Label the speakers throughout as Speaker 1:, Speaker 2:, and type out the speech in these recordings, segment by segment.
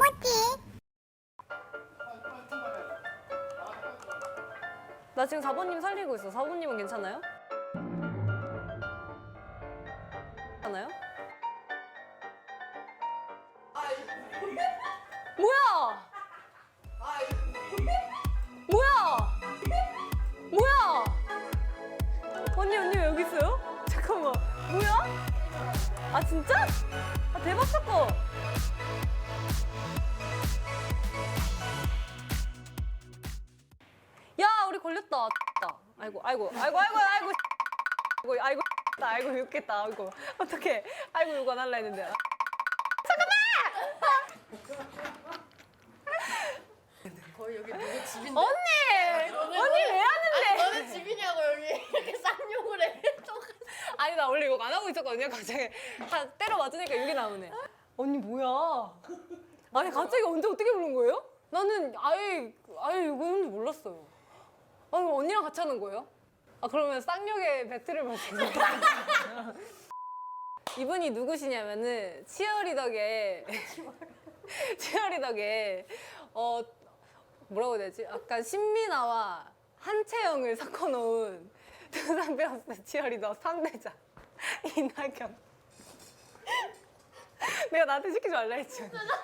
Speaker 1: 나 지금 4번님 살리고 있어. 4번님은 괜찮아요? 괜찮아요? 뭐야? 뭐야? 뭐야? 언니 왜 여기 있어요? 잠깐만. 뭐야? 아 진짜? 아 대박 사건. 야 우리 걸렸다. 아이고 욕겠다. 아이고 어떡해. 아이고 욕 안 할라 했는데.
Speaker 2: 거의 여기 누구 집인데?
Speaker 1: 언니 왜 하는데?
Speaker 2: 너네 집이냐고 여기 이렇게 쌍욕을 해.
Speaker 1: 아니 나 원래 욕 안 하고 있었거든요. 갑자기 때려 맞으니까 욕이 나오네. 언니 뭐야? 아니 갑자기 언제 어떻게 부른 거예요? 나는 아예 이거는 몰랐어요. 아니 언니랑 같이 하는 거예요? 아 그러면 쌍욕의 배틀을 벌였습니다. 이분이 누구시냐면은 치어리더계 뭐라고 해야 되지? 약간 신민아와 한채영을 섞어놓은 두산 베어스 치어리더 3대장 이나경. 내가 나한테 시키지 말라 했지.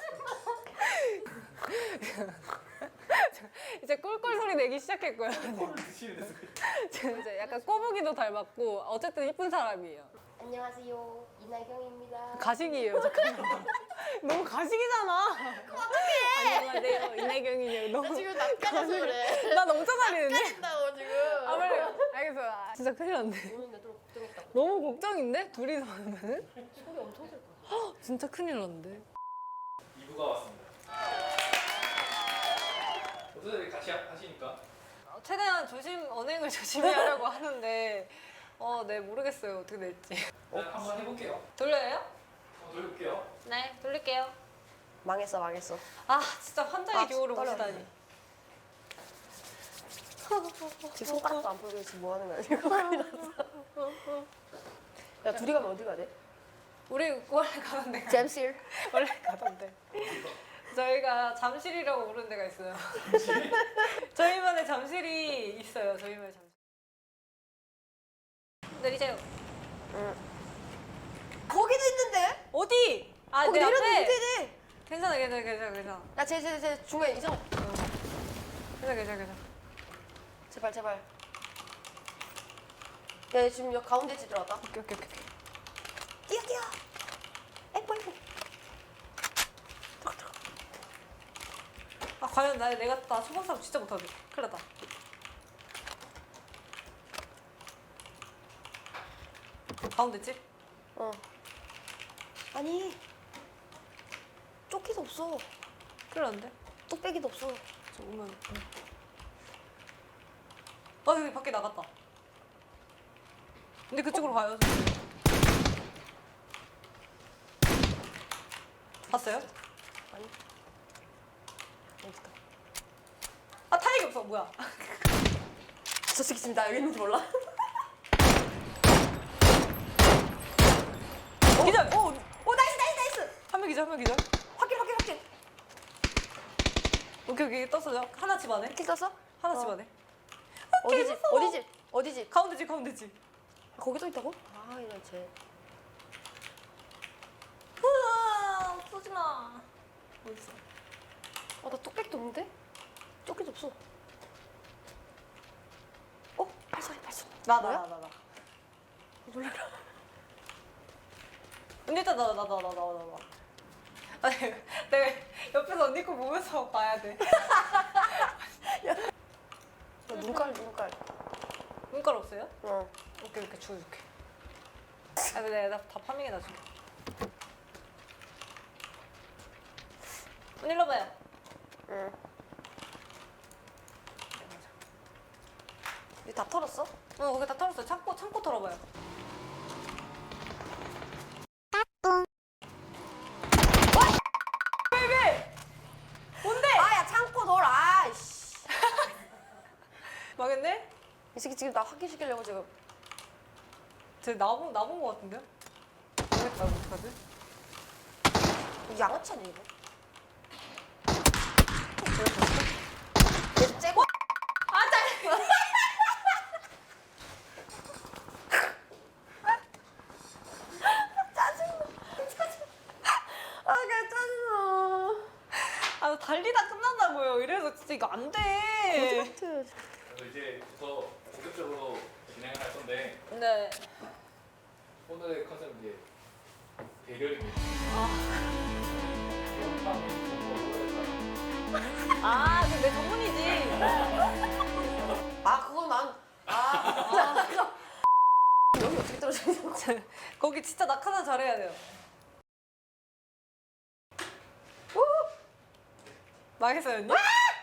Speaker 1: 이제 꿀꿀 소리 내기 시작했고요. 이제 약간 꼬부기도 닮았고 어쨌든 이쁜 사람이에요.
Speaker 2: 안녕하세요, 이나경입니다.
Speaker 1: 가식이에요. 잠깐만. 너무 가식이잖아. 어떡해. 안녕하세요. 이나경이에요. 너무
Speaker 2: 지금 낯가려서 그래.
Speaker 1: 나 너무 짜잘이는데?
Speaker 2: 낯가린다고 지금.
Speaker 1: 아 빨리 알겠어. 아, 진짜 큰일 났네.
Speaker 2: 오늘 내도 걱정했다.
Speaker 1: 너무 걱정인데? 둘이서 하면은?
Speaker 2: 소리 엄청 들 거야.
Speaker 1: 진짜 큰일 났는데.
Speaker 3: 2부가 왔습니다. 어떻게 같이 하시니까?
Speaker 1: 최대한 언행을 조심히 하려고 하는데 네 모르겠어요. 어떻게 될지.
Speaker 3: 일단 한번 해볼게요.
Speaker 1: 돌려요?
Speaker 3: 한번 돌려볼게요.
Speaker 1: 네 돌릴게요.
Speaker 2: 망했어.
Speaker 1: 아 진짜 환장의
Speaker 2: 아,
Speaker 1: 교우를
Speaker 2: 떨려.
Speaker 1: 보시다니.
Speaker 2: 지금 손가락도 안 풀고 지금 뭐 하는 거야 지금? 야 둘이 가면 어디 가야 돼?
Speaker 1: 우리 원래 가던 데가
Speaker 2: 잼실.
Speaker 1: 원래 가던 데. 저희가 잠실이라고 부르는 데가 있어요. 저희만의 잠실이 있어요. 저희만의 잠실. 내리세요.
Speaker 2: 거기도 있는데?
Speaker 1: 어디? 아,
Speaker 2: 거기
Speaker 1: 내
Speaker 2: 내려도
Speaker 1: 앞에.
Speaker 2: 못해.
Speaker 1: 괜찮아.
Speaker 2: 야 제 중간에 이성.
Speaker 1: 괜찮아.
Speaker 2: 제발. 야 지금 여기 가운데 집 들어왔다.
Speaker 1: 오케이.
Speaker 2: 뛰어. 에이구.
Speaker 1: 아, 과연 내가 초반 싸움 진짜 못하네. 큰일 났다. 가운데 집?
Speaker 2: 어. 아니 조끼도 없어.
Speaker 1: 큰일 났는데?
Speaker 2: 뚝배기도 없어.
Speaker 1: 저 오면. 여기 밖에 나갔다. 근데 그쪽으로 가요. 봤어요?
Speaker 2: 아니. 어디다?
Speaker 1: 아, 타이기 없어. 뭐야?
Speaker 2: 저 새끼 지금 나 여기 있는지 몰라?
Speaker 1: 기절!
Speaker 2: 오 나이스.
Speaker 1: 한 명 기절.
Speaker 2: 확인.
Speaker 1: 오케이. 떴어요. 하나 집 안에.
Speaker 2: 킬 떴어?
Speaker 1: 하나
Speaker 2: 어.
Speaker 1: 집 안에.
Speaker 2: 어디 집?
Speaker 1: 가운데 집.
Speaker 2: 거기 또 있다고? 아 이런 쟤.
Speaker 1: 우와, 쏘지 마. 어딨어?
Speaker 2: 나 뚝배기도 없는데? 조끼도 없어. 발소리.
Speaker 1: 나.
Speaker 2: 놀래라.
Speaker 1: 근데 일단 나. 아니, 내가 옆에서 언니 거 보면서 봐야 돼.
Speaker 2: 눈깔.
Speaker 1: 눈깔 없어요?
Speaker 2: 어.
Speaker 1: 오케이, 줄게. 아, 근데 내가 다 파밍해 놔줄게. 언니 일로 봐요.
Speaker 2: 응. 이거 다 털었어?
Speaker 1: 거기 다 털었어. 창고 털어봐요. 왜? 뭔데?
Speaker 2: 아야 창고 널 아이씨.
Speaker 1: 망했네?
Speaker 2: 이 새끼 지금 나 확인시키려고 지금.
Speaker 1: 쟤 나본 거 같은데요? 망했다, 어떡하지?
Speaker 2: 양아치 아니야 이거? 얘 째고. 아, 그냥 짜증나.
Speaker 1: 아 달리다 끝난다고요. 이래서 진짜 이거 안 돼.
Speaker 2: 코트.
Speaker 3: 그래서 이제부터 본격적으로 진행을 할 건데
Speaker 1: 네.
Speaker 3: 오늘의 컨셉은 이제 대결입니다.
Speaker 1: 아, 그 내 전문이지.
Speaker 2: 아, 그건 난. 여기 어떻게 떨어져 있는 거야?
Speaker 1: 거기 진짜 낙하산 잘해야 돼요. 망했어요, 언니?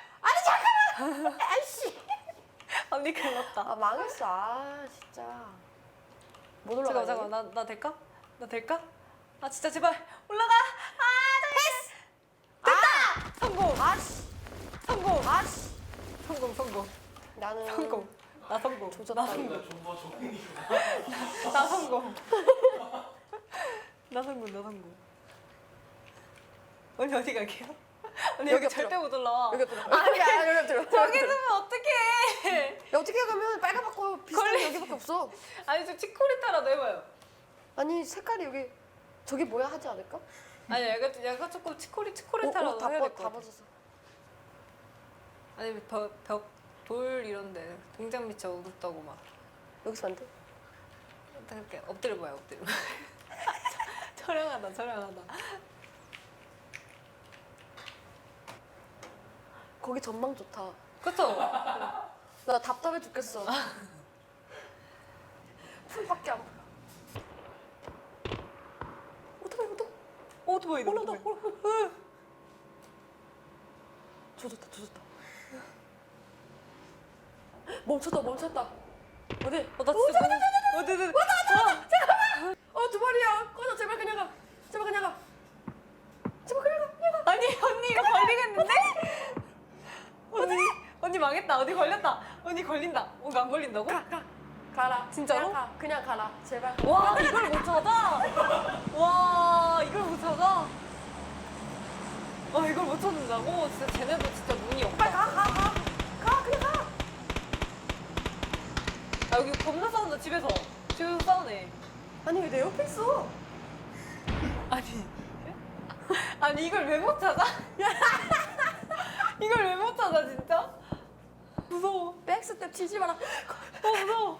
Speaker 2: 아이씨.
Speaker 1: 언니 큰일 났다.
Speaker 2: 아, 망했어. 아, 진짜. 못 올라가.
Speaker 1: 잠깐만, 나 될까? 나 될까? 아, 진짜 제발 올라가! 패스! 됐다! 성공!
Speaker 2: 아씨.
Speaker 1: 성공!
Speaker 2: 아씨.
Speaker 1: 성공!
Speaker 2: 나는.
Speaker 1: 성공! 나 성공!
Speaker 2: 조졌다.
Speaker 1: 나 성공!
Speaker 3: 우리가 좀더 좋은
Speaker 1: 나 성공! 나 성공! 언니 어디 갈게요? 언니 여기
Speaker 2: 여기
Speaker 1: 절대 못 올라와.
Speaker 2: 여기 들어. 아니야, 여기 들어.
Speaker 1: 저기 있으면 어떡해!
Speaker 2: 야, 어떻게 가면 빨갛고 비슷한 게 여기밖에 없어.
Speaker 1: 아니 좀 치코리타라도 해봐요.
Speaker 2: 아니, 색깔이 여기 저게 뭐야 하지 않을까?
Speaker 1: 아니 약간 조금 치코리타라도
Speaker 2: 다
Speaker 1: 해야 될 것
Speaker 2: 다
Speaker 1: 같아.
Speaker 2: 벗었어.
Speaker 1: 아니 돌 이런데 등장 밑이 어둡다고 막
Speaker 2: 여기서 안 돼?
Speaker 1: 이렇게 엎드려봐요 엎드려. 촬영하다.
Speaker 2: 거기 전망 좋다.
Speaker 1: 그쵸?
Speaker 2: 나 답답해 죽겠어. 풀밖에 안 보여.
Speaker 1: 오토바이
Speaker 2: 올라온다. 조졌다. 멈췄다. 어디?
Speaker 1: 나 진짜 어디
Speaker 2: 두 마리야. 꺼져. 제발 그냥 가.
Speaker 1: 아니 언니 이거 걸리겠는데? 언니 망했다. 어디 걸렸다. 언니 걸린다. 이거 안 걸린다고?
Speaker 2: 가라.
Speaker 1: 진짜로?
Speaker 2: 그냥 가라. 제발.
Speaker 1: 와 이걸 못 찾아? 와 이걸 못 찾아? 와 이걸 못 찾는다고? 진짜 쟤네도 진짜 눈이 없다.
Speaker 2: 빨리 가. 그냥 가.
Speaker 1: 아 여기 겁나 싸운다 집에서 싸우네.
Speaker 2: 아니 왜 내 옆에 있어?
Speaker 1: 아니 이걸 왜 못 찾아? 이걸 왜 못 찾아 진짜? 무서워.
Speaker 2: 백스텝 치지 마라.
Speaker 1: 무서워.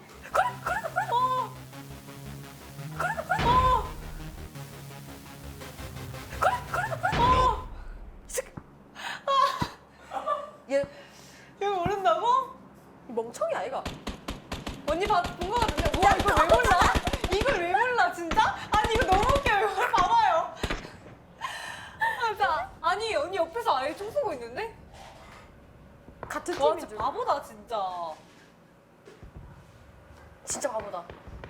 Speaker 2: 얘
Speaker 1: 이거 모른다고?
Speaker 2: 멍청이 아이가.
Speaker 1: 언니 본 거 같은데? 와 이걸 왜 몰라? 이걸 왜 몰라 진짜? 아니 이거 너무 웃겨요. 이거 봐봐요. 아니 언니 옆에서 아예 총 쏘고 있는데?
Speaker 2: 같은
Speaker 1: 와
Speaker 2: 팀인
Speaker 1: 진짜
Speaker 2: 줄.
Speaker 1: 바보다 진짜.
Speaker 2: 진짜 바보다.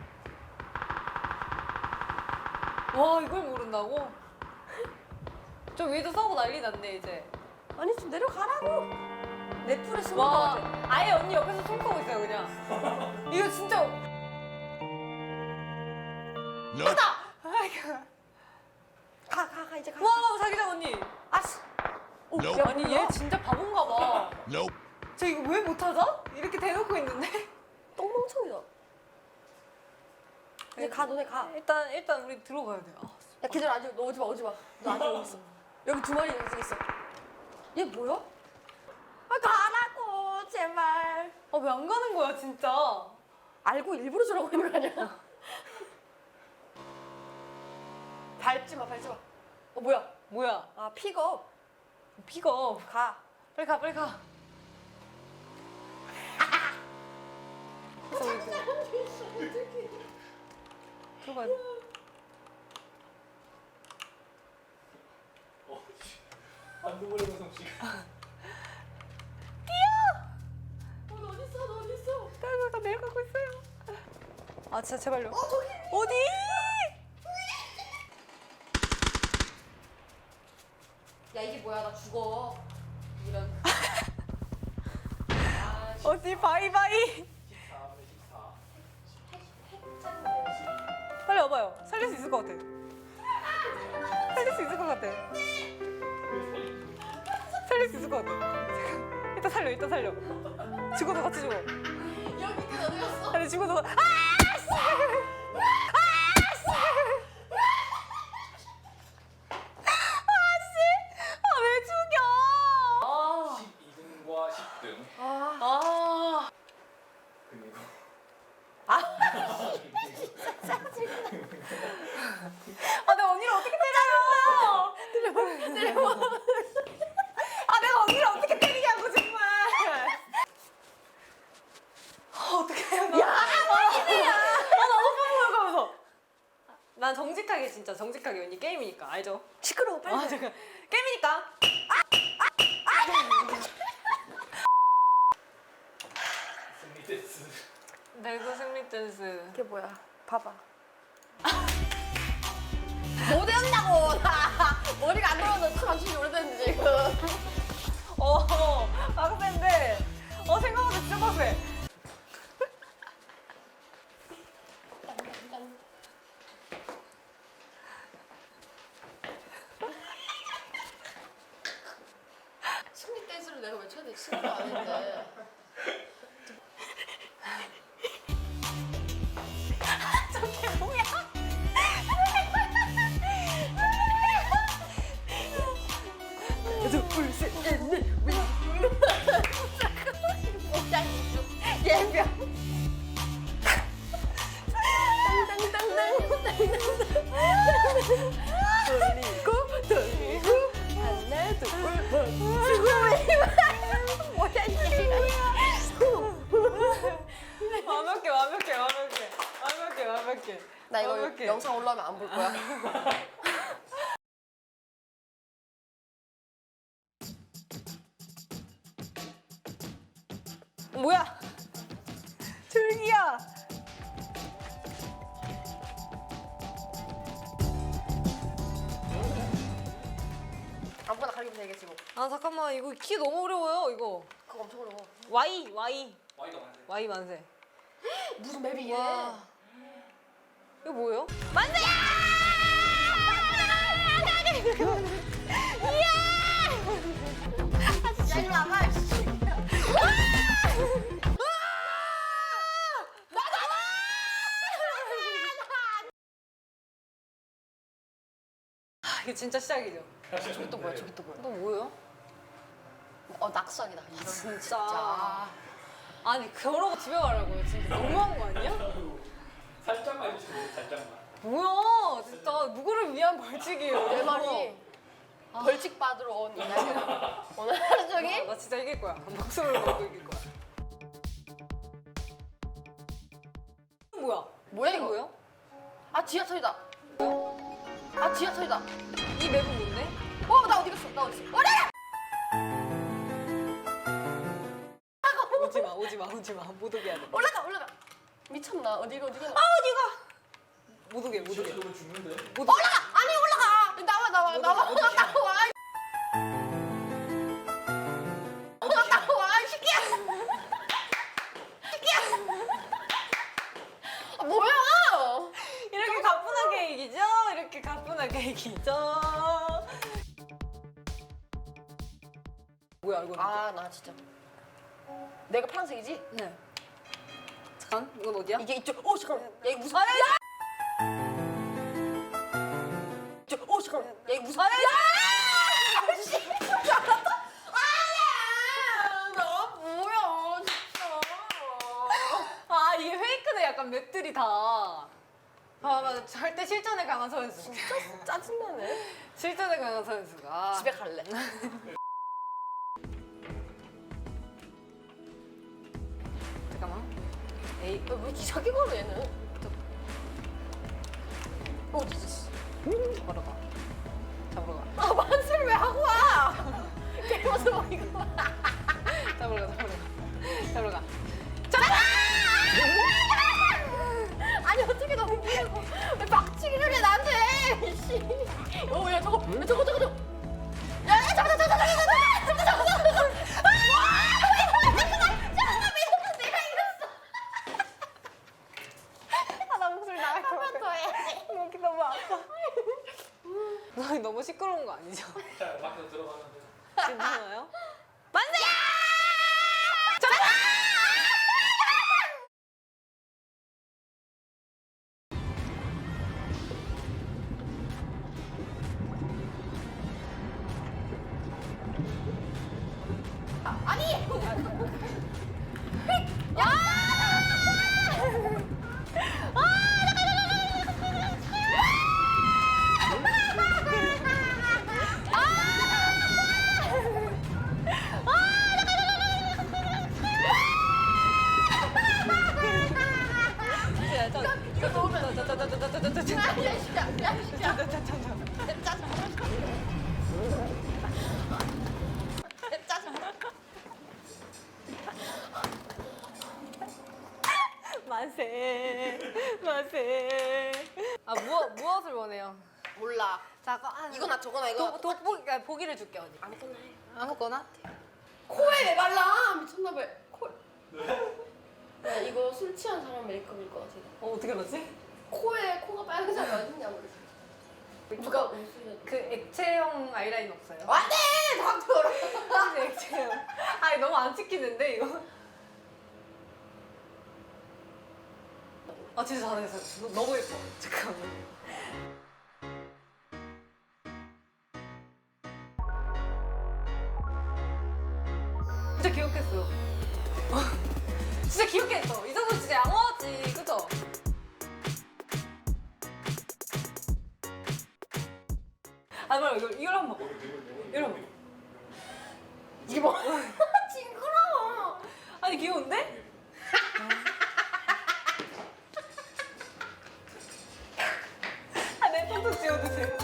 Speaker 1: 와 이걸 모른다고? 저 위에도 싸우고 난리 났네 이제.
Speaker 2: 아니 좀 내려가라고. 내 풀에 숨은 거
Speaker 1: 와
Speaker 2: 같아.
Speaker 1: 아예 언니 옆에서 총 쏘고 있어요 그냥. 이거 진짜. 하다.
Speaker 2: 가 이제 가.
Speaker 1: 와 자기장 언니.
Speaker 2: 아씨. 오,
Speaker 4: Nope.
Speaker 2: 야,
Speaker 1: 아니
Speaker 2: 뭐야?
Speaker 1: 얘 진짜 바본가 봐.
Speaker 4: Nope.
Speaker 1: 저 이거 왜 못 찾아? 이렇게 대놓고 있는데?
Speaker 2: 똥멍청이다. 이제 가 너네 가.
Speaker 1: 일단 우리 들어가야 돼. 아,
Speaker 2: 야 기다려 아직 너 오지 마. 너 아직 여기 있어. 여기 두 마리 여기 있어. 얘 뭐야? 아 가라고 제발.
Speaker 1: 아 왜 안 가는 거야 진짜?
Speaker 2: 알고 일부러 저러고 있는 거 아니야? 밟지 마. 뭐야?
Speaker 1: 뭐야?
Speaker 2: 아 픽업.
Speaker 1: 픽업.
Speaker 2: 가.
Speaker 1: 빨리 가. 그래서 우리 들어가야 돼.
Speaker 3: 한두 번의 솜씨가.
Speaker 2: 너 어디 있어?
Speaker 1: 나 내려가고 있어요. 아 진짜 제발요.
Speaker 2: 저기.
Speaker 1: 어디?
Speaker 2: 야 이게 뭐야? 나 죽어. 이런.
Speaker 1: 어디 바이바이.
Speaker 3: 14분의 14.
Speaker 1: 빨리 와봐요. 살릴 수 있을 것 같아. 살릴 수 있을 것 같아. 살릴 살릴 수 있을 것 같아. 잠깐. 일단 살려, 일단 살려. 죽어도 같이 죽어.
Speaker 2: 여기 밑에 어디 갔어?
Speaker 1: 아니 죽어도. 왜 죽여?
Speaker 3: 12등과 10등.
Speaker 1: 아.
Speaker 3: 그리고
Speaker 1: 아, 내가 언니를 어떻게 때렸어? 때려. 아, 내가 언니를 어떻게 때리냐고 정말. 어떡해. 야, 너무 뻔뻔하면서. 난 정직하게 진짜 정직하게 언니 게임이니까 알죠?
Speaker 2: 시끄러워 빨리.
Speaker 1: 아, 잠깐. 게임이니까.
Speaker 3: 승리 댄스.
Speaker 1: 배구 승리 댄스.
Speaker 2: 이게 뭐야? 봐봐. 뭐 되었냐고 나 머리가 안 돌아서 잠시 오래됐는데 지금.
Speaker 1: 빡센데. 생각보다 진짜 빡세.
Speaker 2: 승리 댄스를 내가 왜 쳐야 돼? 친구도 아닌데.
Speaker 1: 저게 뭐야? 둘, 셋, 넷.
Speaker 2: 예병.
Speaker 1: 돌리고 하나 둘
Speaker 2: 뭐야 이게?
Speaker 1: 완벽해.
Speaker 2: 나 이거
Speaker 1: 완벽해.
Speaker 2: 영상 올라오면 안 볼 거야.
Speaker 1: 뭐야? 줄기야.
Speaker 2: 아무거나 가리면 되겠지 뭐.
Speaker 1: 아 잠깐만 이거 키 너무 어려워요 이거.
Speaker 2: 그거 엄청 어려워.
Speaker 1: Y
Speaker 3: 와이가 많네.
Speaker 1: Y 만세.
Speaker 2: 무슨 맵이 이게?
Speaker 1: 와. 이거 뭐예요?
Speaker 2: 야 이리 와봐.
Speaker 1: 이게 진짜 시작이죠.
Speaker 2: 저기 또 뭐야? 저기 또 뭐야?
Speaker 1: 또 뭐예요?
Speaker 2: 낙선이다. 이런
Speaker 1: 진짜. 아니 그러고 집에 가라고요. 진짜 너무한 거 아니야?
Speaker 3: 살짝만 해주세요. 살짝만.
Speaker 1: 뭐야 진짜 누구를 위한 벌칙이에요.
Speaker 2: 내 말이 벌칙 받으러 온 이날이야. 오늘 하루 종일
Speaker 1: 나 진짜 이길 거야. 목숨을 걸고 이길 거야. 뭐야?
Speaker 2: 뭐야
Speaker 1: 이게
Speaker 2: 이거?
Speaker 1: 뭐예요?
Speaker 2: 아 지하철이다. 아 지하철이다.
Speaker 1: 이 맵은 뭔데?
Speaker 2: 나 어디 갔어? 나 어디 갔어? 나!
Speaker 1: 오지 마. 못 오게 해야 돼.
Speaker 2: 올라가. 미쳤나? 어디가?
Speaker 1: 어디가? 못 오게.
Speaker 3: 저거 죽는데?
Speaker 1: 못 오게.
Speaker 2: 아니 올라가. 나와.
Speaker 1: 어디
Speaker 2: 나와. 시키야. 아, 뭐야?
Speaker 1: 이렇게 가뿐하게 이기죠? 이렇게 가뿐하게 이기죠? 뭐야 이거?
Speaker 2: 아 나 진짜. 내가 파란색이지?
Speaker 1: 네. 잠깐 이건 어디야?
Speaker 2: 이게 이쪽. 잠깐. 야 이거 무슨? 잠깐. 야 이거 무슨? 나 뭐야 진짜.
Speaker 1: 아 이게 페이크네 약간 맵들이 다. 맞아. 절대 실전에 강한 선수.
Speaker 2: 짜증나네.
Speaker 1: 실전에 강한 선수가.
Speaker 2: 집에 갈래.
Speaker 1: 잠깐만. 에이.
Speaker 2: 왜 이렇게 자기 걸어 얘는? 어디 있어?
Speaker 1: 잡으러 가.
Speaker 2: 아 만세를 왜 하고 와? 게임하서 뭐 이거.
Speaker 1: 잡으러 가.
Speaker 2: 아니 어떻게 넘기려고? 왜 박치기를 해 나한테? 씨. 야 저거. 야 잠깐. 내가 이겼어.
Speaker 1: 나 목소리 나갈 것
Speaker 2: 한 번 더 해야지.
Speaker 1: 여기 너무 아파. 너무 시끄러운 거 아니죠?
Speaker 3: 자, 밖으로 들어가면 돼.
Speaker 1: 괜찮아요? 만세 만세. 아 무엇을 원해요?
Speaker 2: 몰라.
Speaker 1: 잠깐
Speaker 2: 이거나 저거나 이거.
Speaker 1: 보기를 줄게 언니.
Speaker 2: 아무거나 해.
Speaker 1: 아무거나.
Speaker 2: 코에 왜 발라? 미쳤나봐. 코. 야, 이거 술 취한 사람 메이크업일 것 같아.
Speaker 1: 어떻게 알았지?
Speaker 2: 코가 빨간색이 어딨냐 모르겠어. 누가 웃으면.
Speaker 1: 그 액체형 아이라인 없어요?
Speaker 2: 안돼! 닥쳐라.
Speaker 1: 혹시 액체형? 아니 너무 안 찍히는데 이거? 아 진짜 잘했어. 너무 예뻐. 잠깐만. 진짜 기억했어. 진짜 기억했어. 이 정도 진짜 양호하지, 그죠? 아, 말고 이걸 한번 봐. 이걸 한번 봐.
Speaker 2: 이게 뭐? 징그러워.
Speaker 1: 아니 귀여운데? 아, 내 폰도 지워주세요.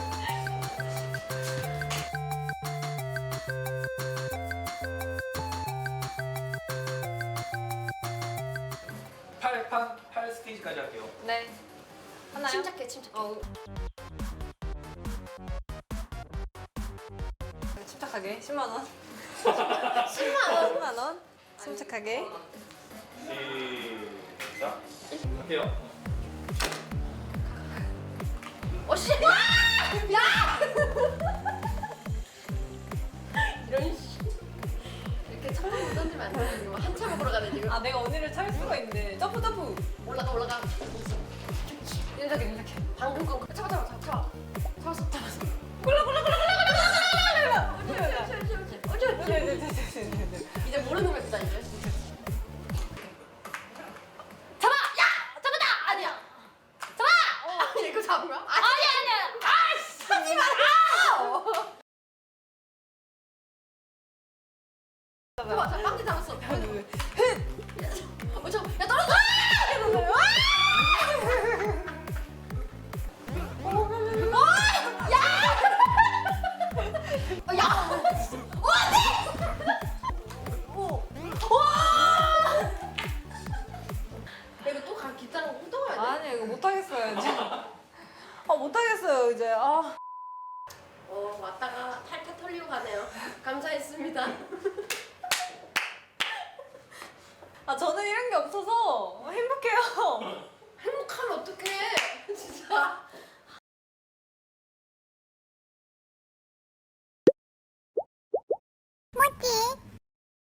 Speaker 3: 팔 스테이지까지 할게요.
Speaker 1: 네. 하나요?
Speaker 2: 침착해, 침착해.
Speaker 1: 침착하게 10만 원.
Speaker 2: 10만 원.
Speaker 1: 10만 원. 침착하게.
Speaker 3: 시작. 할게요.
Speaker 2: 씨! 와! 야! 이런 씨. 이렇게 천천히 던지면 안 돼. 지금 한참 먹으러 가네 지금.
Speaker 1: 아, 내가 언니를 찰 수가 있네. 점프.
Speaker 2: 올라가.
Speaker 1: 침착해.
Speaker 2: 방금 거 잡았어.
Speaker 1: 굴러.
Speaker 2: 이제 모르는 거다 이제. 잡아! 야! 잡았다! 아니야. 잡아! 아니 이거 잡은 거야? 아니야. 아! 하지 마! 잡아. 빵기 잡았어. 야 떨어져! 이거 또 기타랑 엉덩어야 돼?
Speaker 1: 아니, 이거 못하겠어요, 이제. 못하겠어요, 이제. 아.
Speaker 2: 왔다가 탈탈 털리고 가네요. 감사했습니다.
Speaker 1: 저는 이런 게 없어서 행복해요.
Speaker 2: 행복하면 어떡해? 진짜.